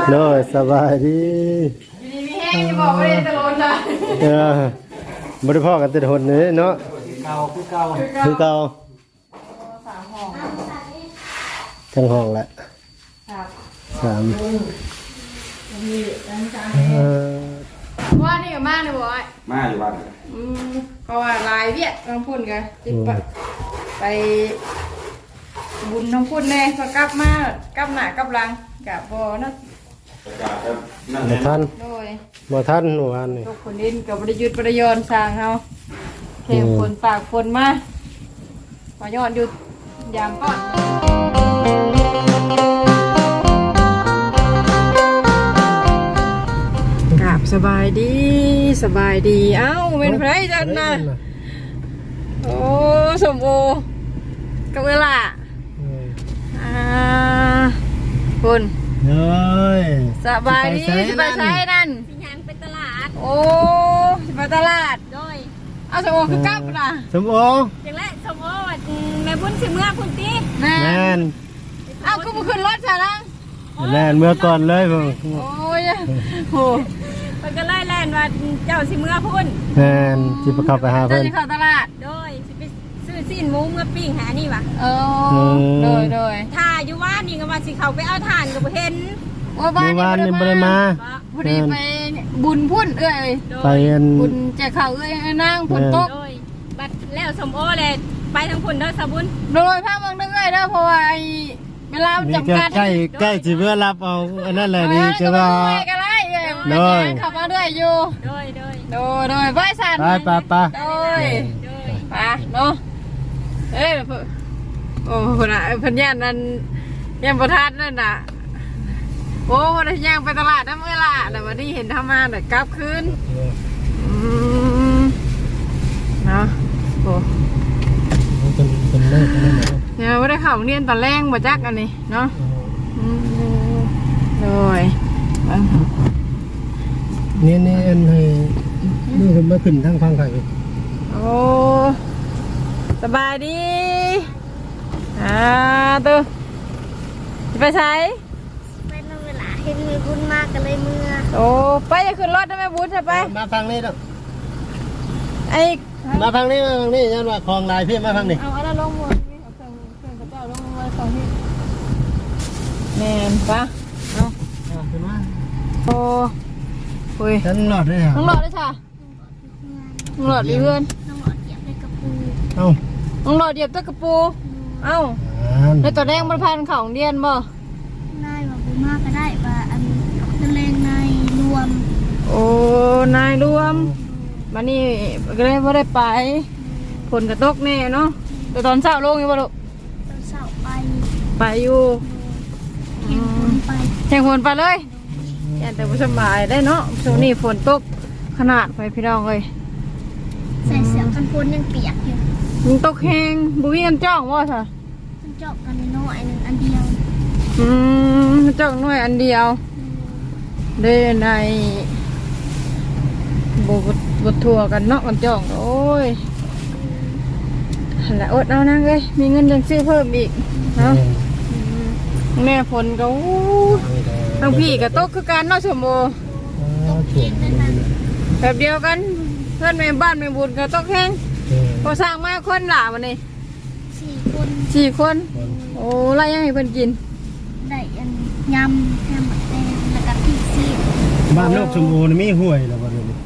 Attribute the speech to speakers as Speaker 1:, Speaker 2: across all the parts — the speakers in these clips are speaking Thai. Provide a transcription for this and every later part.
Speaker 1: โน้ยสบายดี
Speaker 2: มีแห้งจะบอกว่าได้ตลอดเลย
Speaker 1: บริพ่อกันติดหนนี้เนาะ
Speaker 3: เก่าคือเก่า
Speaker 1: คือเก่า
Speaker 2: 3 ห้อง
Speaker 1: ทั้งห้องแหละ3
Speaker 2: ว่านี่กับมาเนี่ยบอย
Speaker 3: มาอยู่บ้าน
Speaker 2: ก็ว่าลายเวียดน้องพุ่นกันจิบไปบุญน้องพุ่นแน่พอกลับมากลับหน้ากลับหลังกับบ่นะ
Speaker 1: บ่ทัน
Speaker 2: โดย
Speaker 1: บ่ทันเมื่อวานนี่
Speaker 2: ทุกคนดินกับบริยุทธ์บริยนสร้างเฮาเข็มฝนปากฝนมาขอย้อนอยู่ยามก่อนกราบสบายดีสบายดีเอ้าเป็นไผจันนะโอ้สมโอกับเวลาคุณ
Speaker 1: เฮ้ย
Speaker 2: สบายดีสบายใช้นั่น
Speaker 4: สิยังไปตลาด
Speaker 2: โอ้ไปตลาด
Speaker 4: โดย
Speaker 2: เอาสมโอคือกลับนะ
Speaker 1: สมโอ
Speaker 4: อย่างแรกสมมติว่าแม่บุญสิเมื่อคุณตี
Speaker 2: แม่
Speaker 1: น
Speaker 2: เอาก็มาขึ้นรถซะนะ
Speaker 1: แม่นเมื่อก่อนเลยผม
Speaker 2: โอ้ยโห
Speaker 4: มันก็ไล่แล่นว่าเจ้าสิเมื่อพุ่น
Speaker 1: แม่นที่ประคับไปหาเพิ่น
Speaker 2: จะเข้าตลาด
Speaker 4: โดยสิไปซื้อซีนหมูเมื่อปิ้งหานี่วะ
Speaker 2: โดย
Speaker 4: ถ้าอยู่ว่านี่ก็ว่าสิเขาไปเอาถ่านก็บ่เห็น
Speaker 2: ว่าบ้าน
Speaker 1: นี่บ่ได้มา
Speaker 2: พอดีไปบุญพุ่นเอ้ย
Speaker 1: ไป
Speaker 2: บุญแจกข้าวเอ้ยนางพุ่นตก
Speaker 4: โดยบัดแล้วสมโอเลยไปทางพุ่นเด้อสาบุญ
Speaker 2: โดยพาเมืองนึงเอ้ยเด้อเพราะว่าเวลาจำกัด
Speaker 1: ใกล้สิเพื่อรับเอาอันนั้นแหละดีใช่ป่ะ
Speaker 2: โดยขับมาด้วยอยู่โดยไปสั่น
Speaker 1: ไป
Speaker 2: โดยไปเนาะเอ้ยโอ้คนน่ะพันยันนั่นยังประทัดนั่นน่ะโอ้คนย่างไปตลาดน้ำเมื่อละแต่วันนี้เห็นทำมาแต่กลับคืนเนาะโอ้เนี่ยไม่ได้ข่าวเรียนตอนแรกมาจักอันนี้เนาะเลย
Speaker 1: นี่อันให้ดูคนมาขึ้นทั้งฟังไข่
Speaker 2: โอ้สบายดีตัวไปใช้
Speaker 4: ไปนั่งเวลาเห็นมีบุญมากกันเลยเมื่อ
Speaker 2: โอ้ไปจะขึ้นรถได้ไหมบุญใช่ไป
Speaker 1: มาฟังนี่ต้อง
Speaker 2: ไอ้
Speaker 1: มาฟังนี่ยันว่าคลองลายพี่มาฟังนี่
Speaker 2: เอาอะไรลงมือนี่เอาเครื่องกระเจ้าลงมือสองที่แม่นปะเอา
Speaker 1: ขึ้นมา
Speaker 2: โอ้คุย
Speaker 1: ฉันหลอดเลย
Speaker 2: น้องหลอดเลยค่ะน้องหลอดดีเพื่อน
Speaker 4: น้องหลอดเหยียบในกระปู
Speaker 1: เอ้า
Speaker 2: น้องหลอดเหยียบตะกระปูเอ้าในตัวแดงมันพันของเดียนบ่
Speaker 4: นายว่าบุญมากก็ได้ว่าอันตะเลงนายรวม
Speaker 2: โอ้นายรวมมานี่ก็เลยไม่ได้ไปฝนกระตกแน่เนาะแต่ตอนเช้าลงอยู่บ่ลูก
Speaker 4: ตอนเช้า
Speaker 2: ไปอยู่
Speaker 4: แข่งฝนไป
Speaker 2: เลยแต่ผู้สบายได้เนาะช่วงนี้ฝนตกขนาดไปพี่น้องเลย
Speaker 4: ใส่เสื้อกันฝนยังเปียกอยู่
Speaker 2: มันตกแห้งบุ้ยกันจ้องว่าค่ะ
Speaker 4: มันจ้องกันน้อยนึงอันเดียว
Speaker 2: จ้องน้อยอันเดียวได้ในบททัวกันเนาะกันจ้องโอ้ยแล้วอดเอานั่งเลยมีเงินยังซื้อเพิ่มอีกเนาะแม่ฝนก็ทั้งพี่กับโต๊ะคือการนอกชมโมแบบเดียวกันเพื่อนแม่บ้านแม่บุญกับโต๊ะแห้งพอสร้างมาคนหล่าวันนี้4 คนโอ้ไรยังให้เพิ่นกิน
Speaker 4: ได้ยำแฮมแดงแล้วก็พริกซี
Speaker 1: บ้านนอกชมโมนี่มีห่วยแล้วบ่นี่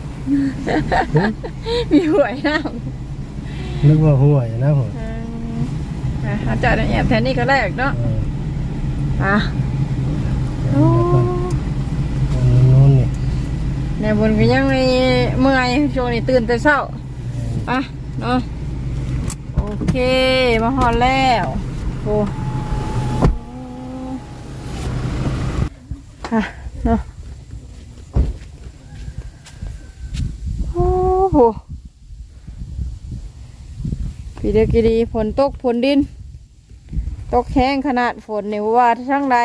Speaker 2: มีห่วยนะ
Speaker 1: นึกว่าห่วยนะผม
Speaker 2: อาจารย์แอบแทนนี่ก็แรกเนาะโอ้ในบนก็ยังมีเมื่อยช่วงนี้ตื่นแต่เช้าเนาะโอเคมาฮอดแล้วโอ้เนาะโอ้โหปีเดียวกี่ดีฝนตกฝนดินตกแห้งขนาดฝนนี่ว่าทั้งใด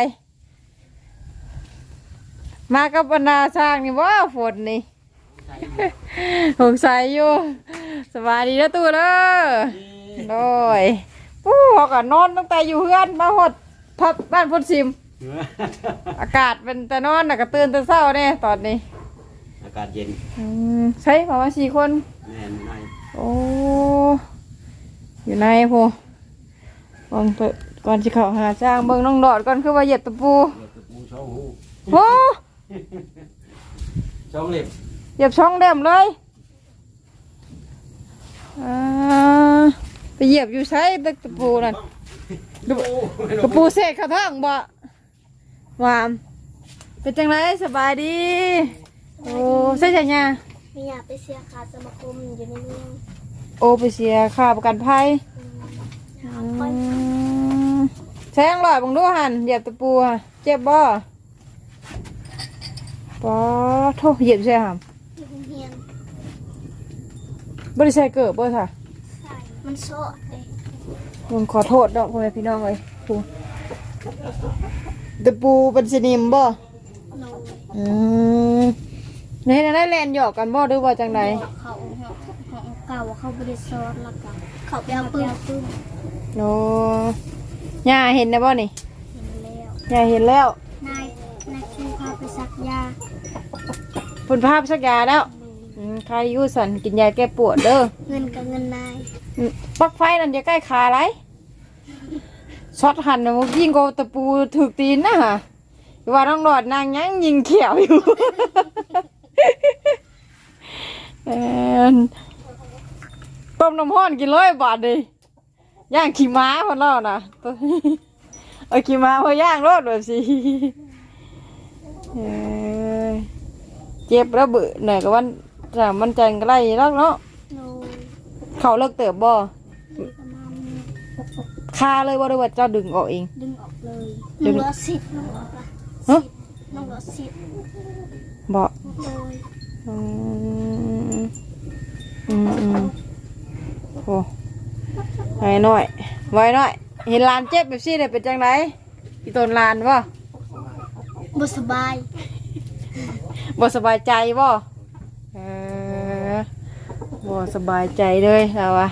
Speaker 2: มากับบรรดาสร้างนี่ว่าฝนนี่สงสัยอยู่สบายดีนะตู้เด้อโดยปู้เขาก็นอนตั้งแต่อยู่เฮือนมาหดพับบ้านพุทธซิมอากาศเป็นแต่นอนน่ะก็ตื่นแต่เช้าเด้ตอนนี้
Speaker 3: อากาศเย็น
Speaker 2: ใช่ประมาณ4 คน
Speaker 3: แน่นใน
Speaker 2: โอ้อยู่ในพูก่อนก่อนจะเข้าหาจ้างเบิ่งน้องดอดก่อนคือว่าเหยียบตะปู
Speaker 3: เดี๋ยวตะปูช่องหู
Speaker 2: โอ้
Speaker 3: ช่องเล็บ
Speaker 2: เหยียบช่องเดิมเลยไปเหยียบอยู่ใช้ตึกตะปูนั่นตะปูเสกเข้าท้องบ่วามเป็นจังไรสบายดีโอ้ใช่ใช่เนี่ย
Speaker 4: ไม่อยากไปเสียค่าสมาคมอยู่ในเมือง
Speaker 2: โอ้ไปเสียค่าประกันภัย
Speaker 4: ค่อย
Speaker 2: ใช้ยังหลอดบังดูหันเหยียบตะปูอะเจ็บบ่ปอโทเหยียบใช่หาม
Speaker 4: อยู่โรงเรียน
Speaker 2: บริษัทเกิดบ่ค่ะ
Speaker 4: ใส่มันโซ่เลย
Speaker 2: มึงขอโทษดอกพ่อแม่พี่น้องเลยปูตะปูเป็นสนิมบ่
Speaker 4: โน
Speaker 2: ในนั้นได้แลนหยอกกันบ่หรือว่าจังได
Speaker 4: เขาเก่าเขาบริสุทธิ์แล้วก็เขาไปเอาปืน
Speaker 2: โนย่าเห็นนะบ่นี่
Speaker 4: เห็นแล้ว
Speaker 2: ย่าเห็นแล้ว
Speaker 4: นายคิวพาไปซักยา
Speaker 2: ผลภาพสักยาแล้วใครอยู่สันกินยาแก้ปวดเด้อ
Speaker 4: เงินกับเงินนาย
Speaker 2: ปลั๊กไฟนั่นจะใกล้ขาไรช็อตหันนะมึงยิงโกตะปูถูกตีนนะฮะว่าน้องหลอดนางยังยิงเขียวอยู่ ต้มน้ำห้อนกิน100 บาทดิย่างขี้ม้าคนเล่านะเอาขี้ม้าพอย่างรถแบบสิเจ็บแล้วเบื่อหน่อยก็วันแต่มันจังก็ไล่แล้วเนาะ
Speaker 4: โน
Speaker 2: เขาเลิกเติบบ่
Speaker 4: ประมาณ
Speaker 2: คาเลยว่าด้วยว่าเจ้าดึงออกเอง
Speaker 4: ดึงออกเลยน้องรถสิทธิ์น้องรถละ
Speaker 2: ฮะ
Speaker 4: น้องรถสิทธิ์
Speaker 2: บ่
Speaker 4: เลย
Speaker 2: อืมอืมโอ้ไว้หน่อยไว้หน่อยเห็นลานเจ็บแบบซี่เลยเป็นจังไรอีตนลานบ่
Speaker 4: บ่สบาย
Speaker 2: บ่สบายใจบ่บ่สบายใจเลยเราอะ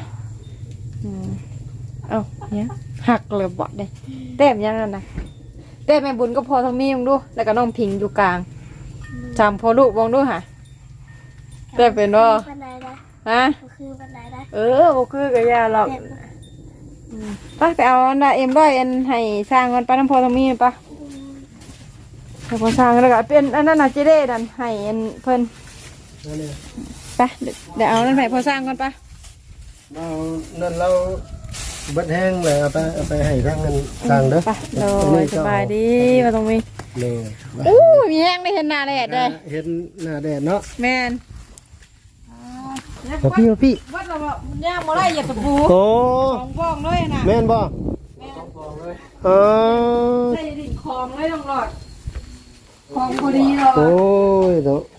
Speaker 2: เอ้าเนี่ยหักเลยบ่ได้เต้มยังนั่นนะเต้มแม่บุญก็พอทั้งมีมึงดูแล้วก็น้องพิงอยู่กลางจำพอลูกมองดูค่ะเต้มเป็นบ่
Speaker 4: บันไดได้
Speaker 2: ฮะ
Speaker 4: ก็คือบันไดได้
Speaker 2: บ่คือกับยาหรอกไปเอาอันน่ะเอ็มร้อยอันให้สร้างมันไปน้ำพอทั้งมีปะให้พอสร้างแล้วก็เป็นอันนั้นน่ะเจเด้ดันให้อันเพิ่นไปเดี๋ยวเอานั่นไปพอสร้างก่อนปะ
Speaker 1: เรานั่นเราเบิดแห้งเลยเอาไปให้ทางเงินสั่งเด้อ
Speaker 2: ไปเลยสบายดีมาตรงนี้
Speaker 1: นี่
Speaker 2: อู้มีแห้งได้เห็นหน้าแดดเลย
Speaker 1: เห็นหน้าแดดเนาะ
Speaker 2: แมน
Speaker 1: เอาพี่เอาพี่
Speaker 2: วัดเราบอกย่างมาได้อย่าตะปู
Speaker 1: โอ้
Speaker 2: ของบ้องเลยนะ
Speaker 1: แม่นบ่เออ
Speaker 2: ได้ดิ่งคลองเลยต้องหลอดคลองพอดีหรอ
Speaker 1: โอ้ยเนาะ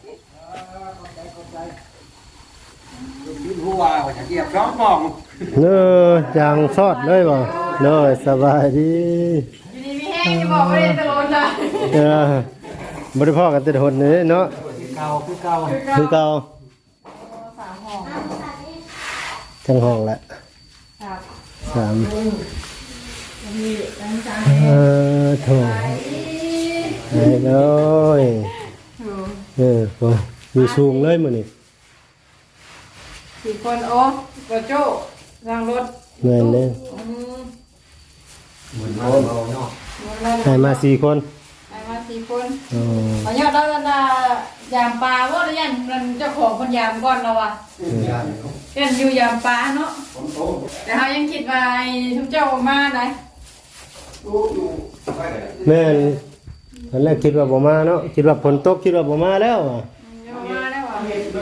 Speaker 3: ดิ้นหัวว่าจะเกียบร้องมอง
Speaker 1: เน้อจางซอดเลยบ่เน้อสบายดี
Speaker 2: อยู่ดีมีแห้งจะบอกไม่ได้ตะโลนเลย
Speaker 1: บ่ได้พ้อกันแต่หนนี่เนาะ
Speaker 3: เก่าคือเก่า
Speaker 1: คือเก่า
Speaker 2: 3 ห้อง
Speaker 1: ทั้งห้องละ
Speaker 2: ครับ
Speaker 1: สาม
Speaker 2: มีตั้งใจ
Speaker 1: โถไอ้เลยโอ้อยู่สูงเลยมื้อนี้
Speaker 2: 4 คนโอ้กระโจ้รางรถ
Speaker 1: แม่นเด้
Speaker 3: เหมือนเราเนาะ
Speaker 1: ให้มา4 คน
Speaker 2: ไปมา4 คน
Speaker 1: อ๋อ
Speaker 2: เอายอดแล้วนะยามปลาว่าหรือยังมันเจ้าของคนยามก่อนเราอ่ะเล่นอยู่ยามปลาเนาะแต่เขายังคิดว่าไอ้ทุกเจ้ามาไหน
Speaker 1: แม่นตอนแรกคิดว่าบ่มาเนาะคิดว่าฝนตกคิดว่าบ่มาแล้วอ่ะ
Speaker 2: ยังมาได้หว่า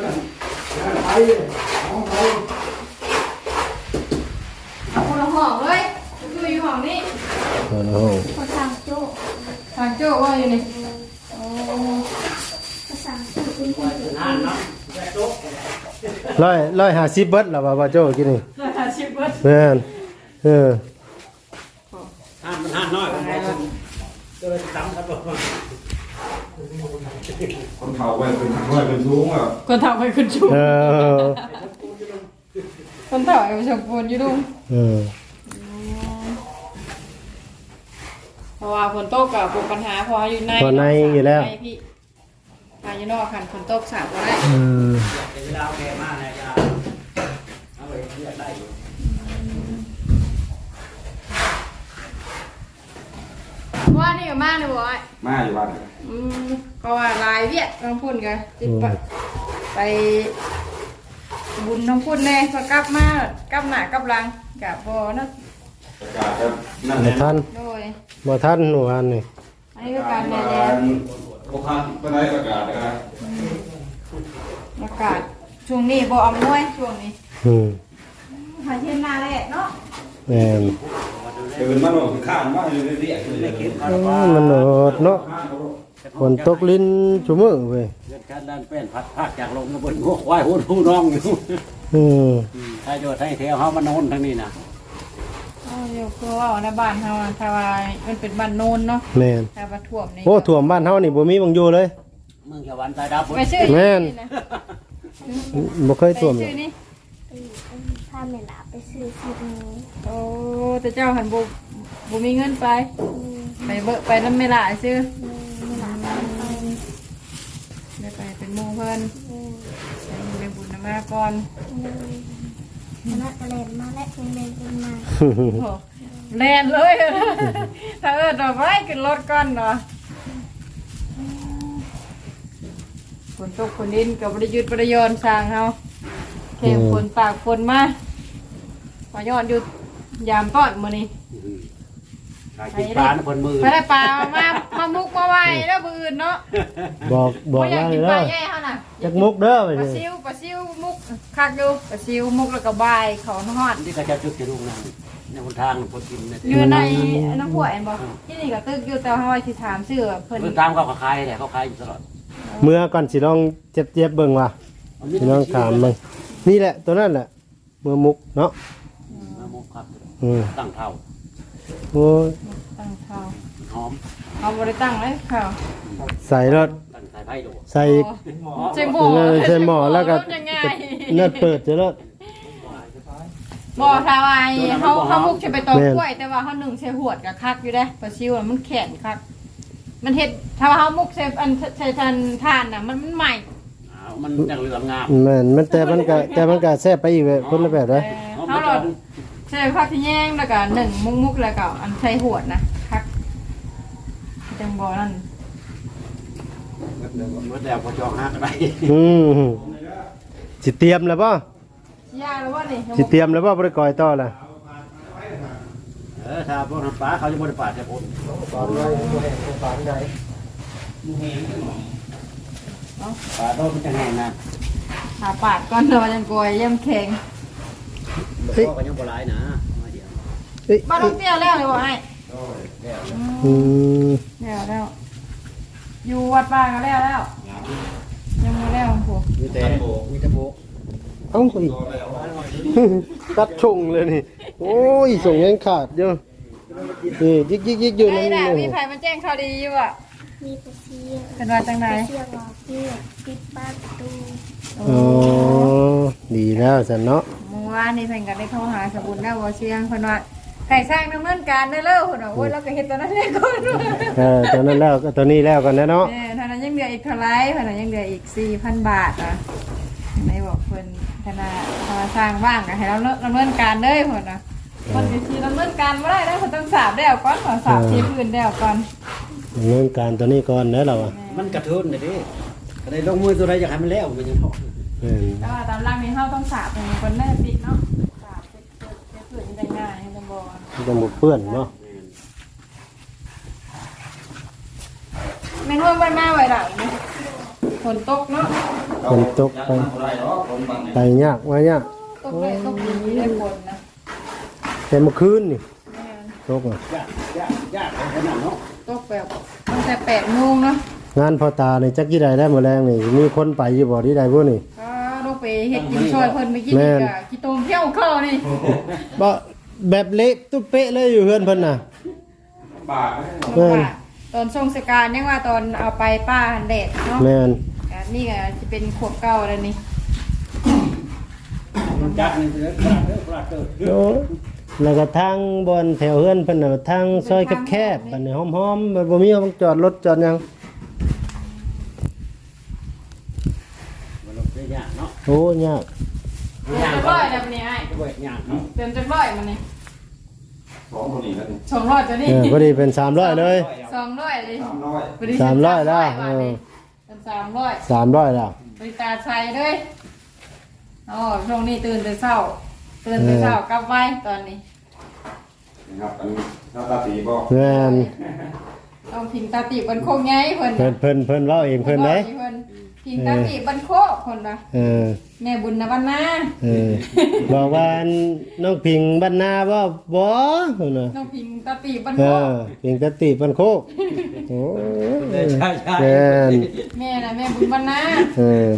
Speaker 2: เอาคนละห้องเลยคืออยู่ห้องนี้
Speaker 1: โอ้โห
Speaker 4: ภาษาโจ้
Speaker 2: ทางโจ้ว่าอยู่นี่โอ้
Speaker 4: ภาษาโจ้เป็นคนเดียว
Speaker 1: 150เบิดแล้วว่าโจ้กินนี่
Speaker 2: 150เบิด
Speaker 1: แม่น
Speaker 3: ห้ามมันห้ามน้อยคนไหนก็เลยจำครับ
Speaker 5: คนเฒ่าไปเป็นสูงอ่ะ
Speaker 2: คนเฒ่าไปขึ้นชู
Speaker 1: เออ
Speaker 2: คนเฒ่าไปชมพูนอยู่ดุง
Speaker 1: เออ
Speaker 2: เพราะว่าฝนตกกับปวดปัญหาเพออยู่ใน
Speaker 1: พอในอยู่แล้ว
Speaker 2: ในพี่อยู่นอกคันฝนตกสาบก็ได้
Speaker 3: เวลาแกมากนะจ๊ะเอาไปเรียกได้อยู่
Speaker 2: ว่านี่ก็มากเลยบ่อย
Speaker 5: มาอยู่บ้าน
Speaker 2: ก็ว่าลายเวียดน้องพุ่นกันจิบไปบุญน้องพุ่นแน่พอกลับมากลับหน้ากลับหลังกับบ่นะ
Speaker 5: ประกาศครับนั่น
Speaker 1: บ่
Speaker 5: แหละ
Speaker 1: ทัน
Speaker 2: โดย
Speaker 1: บ่ทันหนูอันนี่
Speaker 2: อันนี้ก็การแน่
Speaker 5: โอคันไปได้ประกาศนะครับ
Speaker 2: อากาศช่วงนี้บ่อำนวยช่วงนี้
Speaker 1: อืม
Speaker 2: หาเช่นนาแหละเนาะ
Speaker 1: แม่น
Speaker 5: ตื่นมาหน่อยข้ามมาอยู่เรียกเลยคิด
Speaker 1: มันโหดเนาะฝนตกลิ้นชุมื้อเว้ย
Speaker 3: เกิดการด้านเป็นพัดภาคจากลมกระบนหัวควายหัวผู้น้องอยู่
Speaker 1: อืม
Speaker 3: ถ้าโยไทยแถวเฮามานอนทางนี้นะ
Speaker 2: เดี๋ยวคือว่าในบ้านเฮาถ้าว่ามันเป็นบ้านโนนเนาะ
Speaker 1: แม่น
Speaker 2: ถ้าว่าท่วมนี่
Speaker 1: โอ้ท่วมบ้านเฮานี่บ่มีบังอยู่เลย
Speaker 3: เมืองชาววันตายดับ
Speaker 2: ไปชื่อ
Speaker 1: แม่น
Speaker 2: นะ
Speaker 1: บ่เคยท่วม
Speaker 2: ไป
Speaker 1: เล
Speaker 2: ชื่
Speaker 1: ย
Speaker 2: อนี่
Speaker 4: พาแม่หลาไปซื้อสิบนี้
Speaker 2: โอ้แต่เจ้าหันบ่มีเงินไปไปเบอะไปน้ำไม่หลายซื้อ
Speaker 4: แม่หลาไป
Speaker 2: ได้ไปเป็นหมู่เพิ่นไปบุญนำมาก่อน
Speaker 4: คณะกระเลนมาและเรียนกันมา
Speaker 2: โอ้แลนเลย ถ้าดอกไม้ขึ้นรถก่อนเนาะฝนตกฝนดินกับบริยุทธ์บริยนสร้างเฮาแข่งฝนปากฝนมาพอยอดอยู่ยามต้อนมื้อนี้
Speaker 3: ขายกินปลาคนมือ
Speaker 2: ไปได้ปลามามุกมาไว้แล้วมื้ออื่นเนาะ
Speaker 1: บอก
Speaker 2: อยาก
Speaker 1: ได้
Speaker 2: กินป
Speaker 1: แล้
Speaker 2: ลาว แย่เฮาน่ะ
Speaker 1: จักมุกเด้อไป
Speaker 2: ปลา
Speaker 1: สิ
Speaker 2: ซิวมุกคักอยู่ปลาซิวมุกแล้วก็บายเขาฮอด
Speaker 3: ที่เขาจะจุดจะลุงนั่นในหนทางคนกินเนี่ย
Speaker 2: อยู่ในน้ำหัวแอนบอกที่นี่ก็ตึกอยู่แต่ว่าที่ถามชื่อเพิ่น
Speaker 3: เมื่อตามเขาขายแหละเขาขายอยู่ตลอด
Speaker 1: เมื่อก่อนสิลองเจ็บๆเบิ่งว่าสิลองถามเบิ่งนี่แหละตัวนั้นแหละเมื่อมุกเนาะ
Speaker 3: มะม่วงครับ
Speaker 1: อืม
Speaker 3: ตั้งเท่า
Speaker 1: โอ้ย
Speaker 2: ตั้งเขา
Speaker 3: หอม
Speaker 2: เอาบ่ได้ตั้งเลยเขา
Speaker 1: ใส่รถ
Speaker 3: ตั้งสายไผ่ดู
Speaker 1: ใส่
Speaker 2: ใช่หมอ
Speaker 1: ใส่หม้อแล้วก็
Speaker 2: ยังไง
Speaker 1: เลือดเปิดจะรถ
Speaker 2: บ่ทาวายเขามุกจะไปตอกกล้วยแต่ว่าเขาหนึ่งใช้หวดกับคักอยู่ได้ปลาซิวมันแข็งคักมันเฮ็ดถ้าว่าเขามุกใช้อันใช้ทานน่ะมันใหม่
Speaker 3: มันจังเหลืองงาม
Speaker 1: แม่นมันแต่มันก็แซ่บไปอีกแบบคนละแบบเลย
Speaker 2: เขาหลอดใช้ผักที่แยงแล้วก็หนึ่งมุกแล้วก็อันใช้หวดนะคักจังบ่นั่น
Speaker 3: เมื่อแล้วพอจองห้าก็ได้
Speaker 1: อืมสิเตรียมแล้วป่ะ
Speaker 2: ยากแล้วว่านี่
Speaker 1: สิเตรียมแล้วป่ะบริกรต่อล่ะ
Speaker 3: ถ้าพวกทำปลาเขาจะบริปาดแต่ผมปลาโดนมันจะแห้งนะ
Speaker 2: หาปาดก่อนเนาะยังกอยย่ำแข็ง
Speaker 3: ก็ยังโบราณนะมาเดียว
Speaker 1: เอ้ย
Speaker 2: บ้านน้องเตี้ยแล้วเลยว่าไอ้
Speaker 1: อืม
Speaker 2: แล้วอยู่วัดป่าก็แล้วยังไม่แล้วผม
Speaker 3: มีแต่โบมีแต่โบ
Speaker 1: เอ้าอีกตัดชงเลยนี่โอ้ยส่งยังขาดเยอะนี่ยิกอยู่
Speaker 2: ไอ้
Speaker 1: นั่น
Speaker 2: น่ะ
Speaker 1: นี่
Speaker 2: มีใครมาแจ้งข่าวดีอยู่อ่ะ
Speaker 4: มีปลาเสีย
Speaker 2: เป็นว่าจังไหน
Speaker 4: ปลาเสียรอเพื่อปิดบ้านประตู
Speaker 1: อ๋อดีแล้วสันเนาะ
Speaker 2: เมื่อวานนี่เพิ่นก็ได้โทรหาสบุญแล้วว่าเชียงเพิ่นว่าไก่สร้างดำเนินการได้แล้วเพิ่นว่าโอ้ยเราก็เฮ็ดตอนนั้นเลยก่อน
Speaker 1: ตัวนั้นแล้วก็ตัวนี้แล้วกันนะเนาะ
Speaker 2: เท่านั้นยังเหลืออีกเท่าไรเพิ่นว่ายังเหลืออีก 4,000 บาทอ่ะได้บอกเพิ่นธนาสร้างว่างก็ให้เราดำเนินการเด้อเพิ่นน่ะเพิ่นสิดำเนินการบ่ได้แล้วเพิ่นต้องสาบแล้วก่อนขอสาบที่พื้นแล้วก่อน
Speaker 1: ดำเนินการตัวนี้ก่อนนะเราอ่ะ
Speaker 3: มันกระทุนเลยดิก็ได้ลงมือตัวใดอยากให้มันแล้วมันยังพอ
Speaker 2: แต่ว่าตามร่างนี้เฮาต้องสาบเป็นคนแรกปิดเนาะสาบจะเกิดได้ง่ายจังบ่
Speaker 1: จะหมดเปื้อนเนาะ
Speaker 2: แม่นว่ามันมาไว้ล่ะฝนตกเนาะ
Speaker 1: ฝนตกไปยากว่ายาก
Speaker 2: ตกได้ตกดีได้ฝนนะ
Speaker 1: แต่เมื่อคืนนี่
Speaker 2: แม่น
Speaker 1: ตกอ่ะ
Speaker 3: ยากขนาดเนาะ
Speaker 2: ตกแบบตั้งแต่8 โมงเนาะ
Speaker 1: งานพอตาในจักยี่ใดได้หมดแรงนี่มีคนไปอยู่บ่ที่ใดพวกนี่
Speaker 2: ก็ลงไปเฮ็ดกินช่วยเพิ่นเมื่อกี้นี่ก็กี่ต้มเที่ยวเข้านี่
Speaker 1: บ่แบบเละตุ๊เป๊ะเลยอยู่เฮือนเพิ่นน่ะ
Speaker 5: บาท
Speaker 1: แม่น
Speaker 2: ตอนทรงสการยังว่าตอนเอาไปป้าหันแดดเนาะ
Speaker 1: แม่น
Speaker 2: นี่ก็จะเป็นขวบเก่าแล้วนี่
Speaker 3: จักนี่เด้อปลาเด้อ
Speaker 1: โอ้แล้วก็ทางบอนแถวเฮือนเพิ่นน่ะทางซอยแคบๆบัดนี้หอมๆบ่มีห้องจอดรถจอดหยัง
Speaker 3: มันลงได้ยากเนาะ
Speaker 1: โอ้ยาก
Speaker 2: เติมจักร้อยแล้วนี่ไอ้
Speaker 3: ด้วยยากเนาะ
Speaker 2: เติมจักร้อยมันนี่
Speaker 5: สองคนนี้กัน
Speaker 2: 200ตัวนี้
Speaker 1: พอดีเป็น300เลย
Speaker 2: 200เลย
Speaker 5: 300
Speaker 2: พอดี
Speaker 1: 300แล้ว
Speaker 2: 300เป็น300
Speaker 1: 300แล้ว
Speaker 2: บริตาใส่เลยอ๋อช่วงนี้ตื่นแต่เช้ากลับไว้ตอนนี้
Speaker 5: นะครับอันหน้าตาสีบ่
Speaker 1: แม่น
Speaker 2: ต้องพิงตาตีบันโคกไงเพิ่น
Speaker 1: เพิ่นเว้าเองเพิ่นเด้
Speaker 2: พิงตาตีบันโคกคนละ
Speaker 1: เออ
Speaker 2: แม่บุญนะวันนา
Speaker 1: บอกว่าน้องพิงบ้านนาบ่บ่น่ะ
Speaker 2: ต้องพิงตาตีบัน
Speaker 1: เอ
Speaker 2: โคก
Speaker 1: อพิงกะติบ้านโคกโอ้
Speaker 3: ใช่ใช่
Speaker 1: แม่น
Speaker 2: แม่น่ะแม่บุญวันนา
Speaker 1: เออ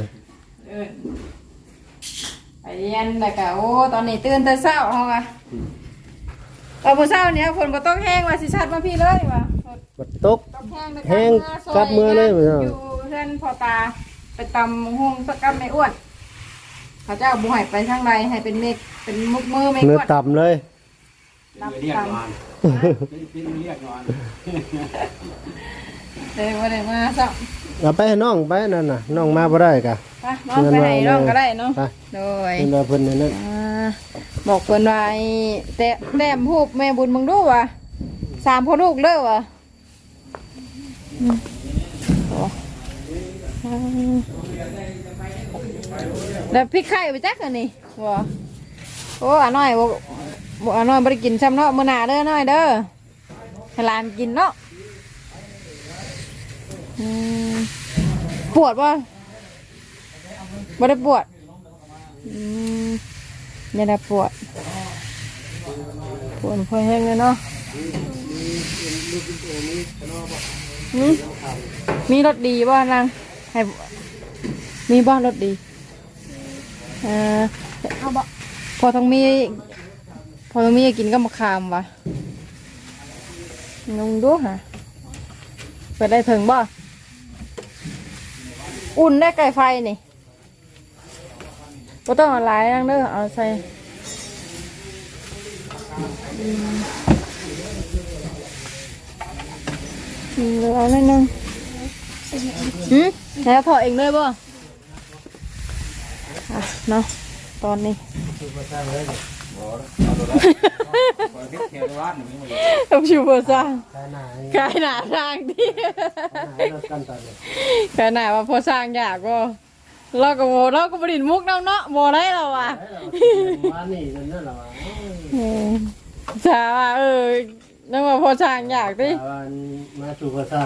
Speaker 2: ไปเรียนแล้วก็โอ้ตอนนี้ตื่นแต่เช้าเฮาอะตอนเช้าเนี่ยฝนบ่ตกแห้งว่าสิชัดมาพี่เลยว่ะ
Speaker 1: บัดตก
Speaker 2: ตกแห้ง
Speaker 1: แห้งกลับมือเลย
Speaker 2: อยู่เพื่อนพ่อตาไปตำหุ่งสักกับไม่อ้วนเขาจะเอาบุหายไปทางใดให้เป็นเมฆเป็นมุกมือไม่
Speaker 1: เนื้อ
Speaker 2: อ้วน
Speaker 1: ต่ำเลย
Speaker 2: รับ
Speaker 3: เรียก
Speaker 2: ต
Speaker 3: นอนเป็นเรียกนอน
Speaker 2: ำเลยว่าได้มาสัก
Speaker 1: เอาไปให้น้องไปนั่นน่ะน้องมาบ่ได้กะ
Speaker 2: ไปน้องไปไหนน้องก็ได้เนาะ
Speaker 1: ไป
Speaker 2: โดย
Speaker 1: เพิ่นว่าเพิ่นนั่นน่ะ
Speaker 2: บอกเพิ่นว่าไอ้แต้มหูบแม่บุญมึงดูว่ะ3พ่อลูกเด้อว่ะแล้วพริกไข่ไปจักอันนี้ว่ะโอ้อาน้อยบ่อาน้อยบ่ได้กินซ้ำเนาะมื้อหน้าเด้อน้อยเด้อให้หลานกินเนาะปวดบ่บ่ได้ปวดไม่ได้ปวดพอแห้งเลยเนาะมีรสดีบ่นางให้มีบ่รสดีเอาบ่พอต้องมีกินก็มะขามวะงงดูฮะไปได้ถึงบ่อุ่นได้ไก่ไฟนี่ก็ต้องเอาหลายนั่งเด้อเอาใส่เหลือนิดนึงแล้วพอเองเลยบ่เนาะตอนนี้ต้องชิวเบอร์ซ่าขายหนาทางที่ขายหนาว่าพอสร้างอยากก็เราก็บริณมุกเนาะโมได้เราอ่ะสาว่านั่นว่าพอสร้างอยากดิ
Speaker 1: มาสู่พอสร้าง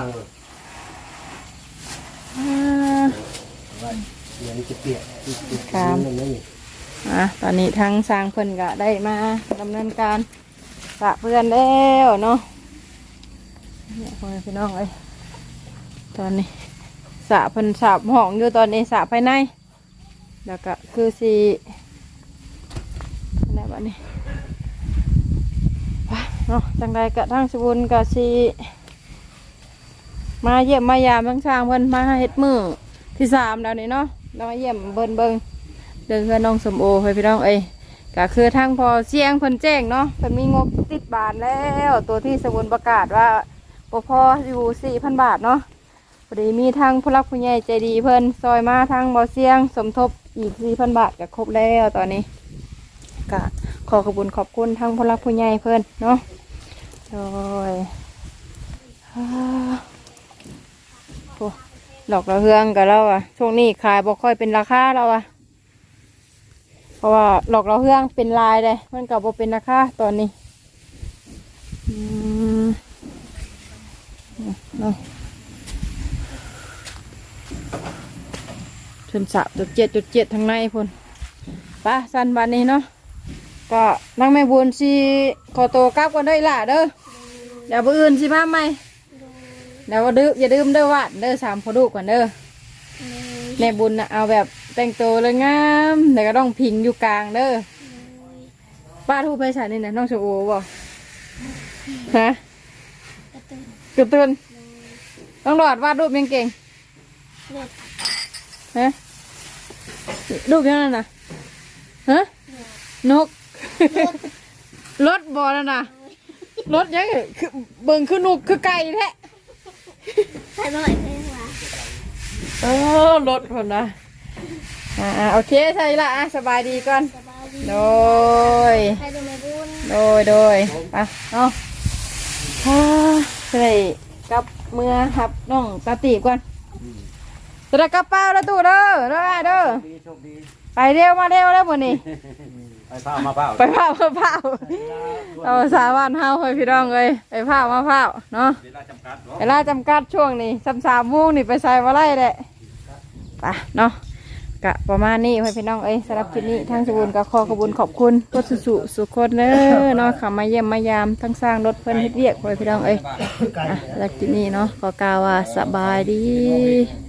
Speaker 1: เดี๋ยวจะเปียกครับ
Speaker 2: ตอนนี้ทั้งสร้างเพิ่นก็ได้มาดำเนินการสระเพื่อนแล้วเนาะเนี่ยพ่อพี่น้องเอ้ยตอนนี้สระเพิ่นสระห้องอยู่ตอนนี้สระภายในแล้วก็คือสีอะไรบ้านี้เนาะจังใดกะทั้งสบุญกะสีมาเยี่ยมมายามทั้งสร้างเพิ่นมาเฮ็ดมือที่3แล้วนี่เนาะเรามาเยี่ยมเบิ่งเดินเพื่อนน้องสมโอให้พี่น้องก็คือทางพอเสียงเพิ่นแจ้งเนาะเพิ่นมีงบติดบาทแล้วตัวที่สบุญประกาศว่าพออยู่ 4,000 บาทเนาะพอดีมีทางผู้รักผู้ใหญ่ใจดีเพิ่นซอยมาทางบ่อเสียงสมทบอีก 4,000 บาทก็ครบแล้วตอนนี้ก็ขอขอบคุณทางผู้รักผู้ใหญ่เพิ่นเนาะโดยดอกระเฮืองกับเราอ่ะช่วงนี้ขายบ่ค่อยเป็นราคาเราอ่ะเพราะว่าดอกระเฮืองเป็นลายเลยมันกับบ่เป็นราคาตอนนี้เนาะชนสะ7.7ทางในพุ่นป้าสันบานนี้เนาะก็นั่งไม่บุญสิขอตัวกลับกันได้ล่ะเด้อเดี๋ยวมื้ออื่นสิมาใหม่เดี๋ยวอย่าดื่มเด้อวัดเด้อ3พอดูก่อนเด้อแม่บุญนะเอาแบบแต่งตัวเลยงามแต่ก็ต้องพิงอยู่กลางเด้อป้าทูไปใส่นี่นะน้องชมโอบอกฮะกระตุ้นต้องหลอดวาดรูปยังเก่งฮะรูปยังไงนะฮะนกรถบ่นั่นน่ะรถยังคือเบิ่งคือนุกคือไก่แท้
Speaker 4: ใครบ่อยเพลงวะ
Speaker 2: รถคนนะโอเคใช่ละสบายดีก่อน
Speaker 4: สบายดี
Speaker 2: โดย
Speaker 4: ใครดูไม่บุญ
Speaker 2: โดยไปเนาะใส่กับเมื่อครับน้องตาตีบก่อนจะได้กระเป๋าแล้วตู้เด้อเด้อ
Speaker 3: โชคดี
Speaker 2: ไปเร็วมาเร็วแล้วหมดนี่
Speaker 3: ไปเผามาเผา
Speaker 2: ไปเผาเอาสาวันเฮาเฮ้ยพี่น้องเลยไปเผามาเผาเนาะ
Speaker 3: เวลาจำกัดเนาะ
Speaker 2: เวลาจำกัดช่วงนี้3 โมงนี่ไปใส่ว่าไรแหละไปเนาะกะประมาณนี้พี่น้องเอ้ยสำหรับคลิปนี้ทางสบุญก็ขอบคุณรถสุคนเด้อเนาะขับมาเยี่ยมมายามทั้งสร้างรถเพิ่นเฮ็ดเวียกพี่น้องเอ้ยจากคลิปนี้เนาะก็กล่าวว่าสบายดี